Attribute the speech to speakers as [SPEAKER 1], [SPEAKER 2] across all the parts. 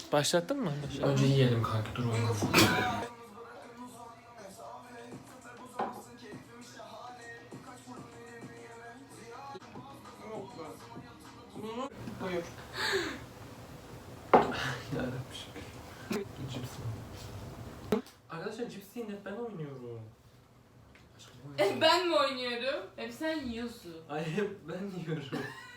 [SPEAKER 1] Başlattın mı?
[SPEAKER 2] Önce yiyelim kanka, dur olmasın.
[SPEAKER 3] Buyur.
[SPEAKER 2] Yarabbim. Cips mi? Arkadaşlar cips yiyin, hep ben oynuyorum.
[SPEAKER 4] Ben mi oynuyorum? Hep sen yiyorsun.
[SPEAKER 2] Ay hep ben yiyorum.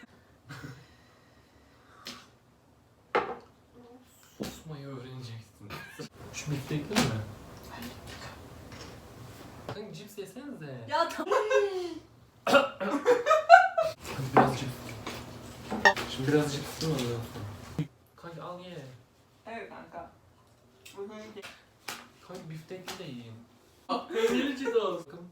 [SPEAKER 2] Susmayı öğreneceksin. Şu biftekli mi? Kanka cips yesenize.
[SPEAKER 4] Ya tamam.
[SPEAKER 2] Hadi biraz cips. Şimdi biraz cips mi alıyorsun? Kanka al ye.
[SPEAKER 3] Evet kanka. Bugün
[SPEAKER 2] Kanka biftekli de yiyin. Peynirli cips olsun.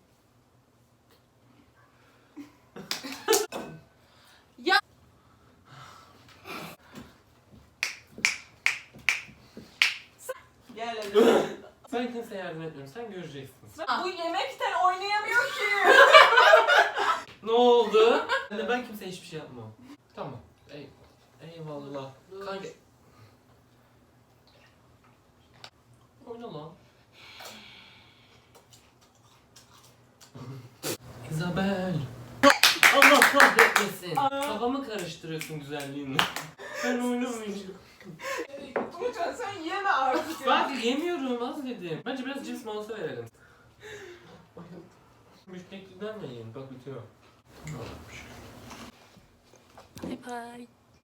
[SPEAKER 3] gel hadi.
[SPEAKER 2] Ben kimseye yardım etmiyorum, sen göreceksin.
[SPEAKER 3] Bu yemekten oynayamıyor ki.
[SPEAKER 2] Ne oldu? Ben kimseye hiçbir şey yapmam. Tamam. Eyvallah. Kanka. Oyna lan. Isabel. Allah kahretmesin. Kafamı karıştırıyorsun güzelliğinle. Ben oynamayacağım.
[SPEAKER 3] Umutcan sen yeme artık.
[SPEAKER 2] Ben yemiyorum, az dedim. Bence biraz cips molası verelim. Müştekliden de yiyin, bak bitiyor.
[SPEAKER 4] Bye bye.